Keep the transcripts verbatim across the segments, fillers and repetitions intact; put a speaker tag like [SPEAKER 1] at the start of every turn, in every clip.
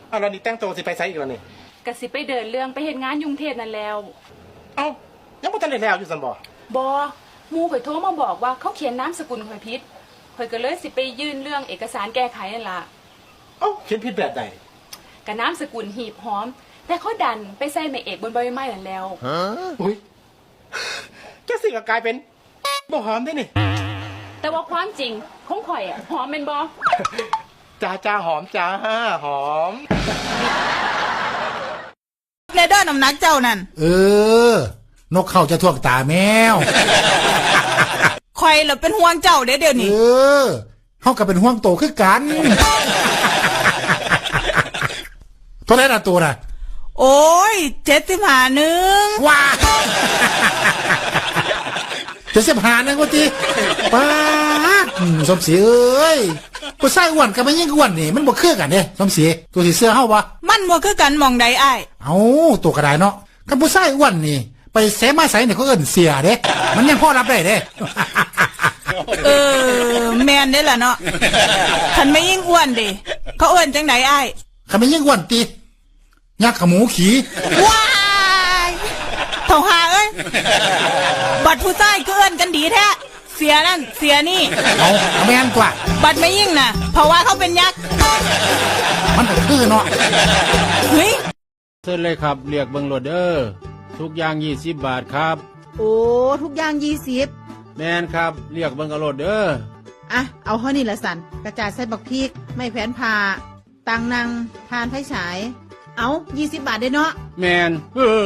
[SPEAKER 1] อ้าวแล้วนี่แต่งตัวสิไปไสอีกแล้วนี่
[SPEAKER 2] กะสิไปเดินเรื่องไปเฮ็ดงานยุงเทพนั่นแล้ว
[SPEAKER 1] เอ้ายังบ่ทันได้แล้วอยู่ซั่นบ่
[SPEAKER 2] บ่หมู่ข่อยโทรมาบอกว่าเขาเขียนนามสกุลข่อยผิดข่อยก็เลยสิไปยื่นเรื่องเอกสารแก้ไขนั่นล่ะ
[SPEAKER 1] เอ้าเขียนผิดแบบใด
[SPEAKER 2] กะนามสกุลหีบหอมแต่เขาดันไปใส่แม่เอกบนใบไม้นั่นแล้ว
[SPEAKER 1] ฮะอุ้ยแกสิก็กลายเป็นบ่หอมได้นี่
[SPEAKER 2] แต่ว่าความจริงของข่อยอ่ะหอมแม่นบ่
[SPEAKER 1] จ้าจ้าหอมจ้าหอม
[SPEAKER 3] เลเดอร์น้ำหนักเจ้านั่น
[SPEAKER 4] เออนกเขาจะท่วงตาแมว
[SPEAKER 3] คอยเหรอเป็นห่วงเจ้าเดี๋ยวเดี๋ยวนี้
[SPEAKER 4] เออเขาก็เป็นห่วงโตคือกันตัวไหนน่ะตัวน่ะ
[SPEAKER 3] โอ้ยเจ็ดสิบห้าหนึ่ง
[SPEAKER 4] ว้าเจ็ดสิบห้าหนึ่งวะจีป้าสมศรีเอ้ยผู้ชายอ้วนกับไม่ยิ่งอ้วนนี่มันบ่คือกันเด้สมศรีตัวสีเสื้อเฮาวะ
[SPEAKER 3] มันบ่คือกันมองใดอ้าย
[SPEAKER 4] เอ้าตัวกระไดเนาะกับผู้ชายอ้วนนี่ไปเสมาใส่เนี่ยเขาเอิ้นเสียเด้มันยังพอรับได้เด้
[SPEAKER 3] เออแมนได้ล่ะเนาะคันไม่ยิ่งอ้วนดิเขาเอิ้นจังไดอ้าย
[SPEAKER 4] คันไม่ยิ่งอ้วนติยักษ์ขมูขี่
[SPEAKER 3] ว้ายเท่าหาเอ้ยบัดผู้ชายก็เอิ้นกันดีแท้เสียนั่นเสียนี่
[SPEAKER 4] เอาแม่นกว่า
[SPEAKER 3] บัดไม่ยิ่งน่ะเพราะว่าเขาเป็นยักษ์
[SPEAKER 4] มันก็คือเนาะ
[SPEAKER 3] เฮ้ย
[SPEAKER 5] เชิญเลยครับเรียกเบิ่งโหลดเด้อทุกอย่างยี่สิบบาทครับ
[SPEAKER 6] โอ้ทุกอย่างยี่สิบ
[SPEAKER 5] แม่นครับเรียกเบิ่งเอาโหลดเด้อ
[SPEAKER 6] อ่ะเอาเท่านี้ละสันกระจาดใส่บักพริกไม่แผนผ่าตังนังทานไฟฉายเอายี่สิบบาทได้เนาะ
[SPEAKER 5] แม่นเออ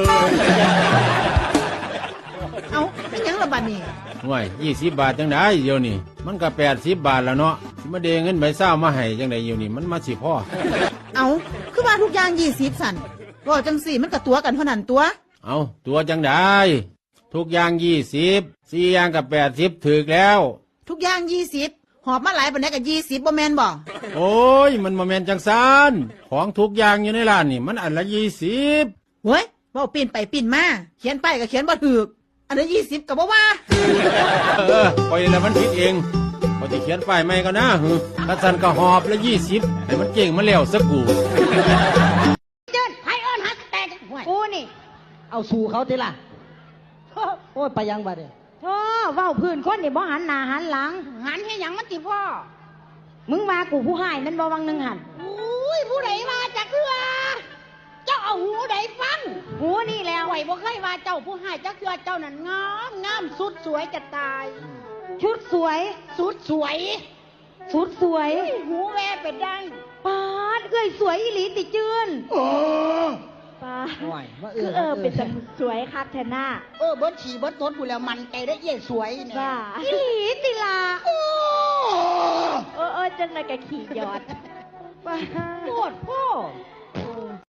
[SPEAKER 6] เอาเป็นยังละบาทนี่
[SPEAKER 5] ห่วยยี่สิบบาทจังไดเดี๋ยวนี้มันก็แปดสิบบาทแล้วเนาะสิมาเดเงินใบเศร้ามาให้จังไดเดี๋ยวนี้มันมาสิพ่อ
[SPEAKER 6] เอาคือว่าทุกอย่างยี่สิบสันก็จังสี่มันกับตัวกันเท่านั้นตัว
[SPEAKER 5] เอาตัวจังไดทุกอย่างยี่สิบสี่อย่างกับแปดสิบถึกแล้ว
[SPEAKER 6] ทุกอย่างยี่สิบหอบมาหลายปันนี้กับยี่สิบบ่แมนบ่
[SPEAKER 5] โอ้ยมันบ่แมนจังซานของทุกอย่างอยู่ในร้านนี่มันอันละยี่สิบ
[SPEAKER 6] เฮ้ยบ่ปีนไปปีนมาเขียนไปก็เขียนบ่ถูกอันนี้ยี่สิบกับบ่ว่า
[SPEAKER 5] เออปล่อยแล้วมันผิดเองพอจะเขียนป้ายใหม่ก็นะฮึถ้าสันก็หอบละยี่สิบให้มันเก่งมาแล้วสักกู
[SPEAKER 7] เดินให้เอิ้นฮักแต่กูนี่
[SPEAKER 8] เอาสู่เขาทีละโอ้ยไปยังบัดเนี่ย
[SPEAKER 7] โอ้เว้าพื้นคนนี่บ่หันหน้าหันหลังหันให้หยังมันติพ่อมึงมากูผู้ให้มันบ่วังนึงหันอุ้ยผู้ใดมาจักเทื่อเจ้าเอาหูใดฟังหูนี่แล้วไหวบ่เคยว่าเจ้าผู้ให้จักเทื่อเจ้านั่นงามงามสุดสวยจะตายชุดสวยสุดสวยสุดสวยหูแวเป็นได้ปาดเอ้ยสวยอีหลีติจืนโอ้ป้าคือเออเป็นสวยคัดแทน่าเออเบิร์ดขี่เบิร์ดต้นกูแล้วมันใจได้เย่สวยเนี่ยป้าอีหลีติลาโอ้เออเออจังเลยแกขี่ยอดป้าโคตรพ่อ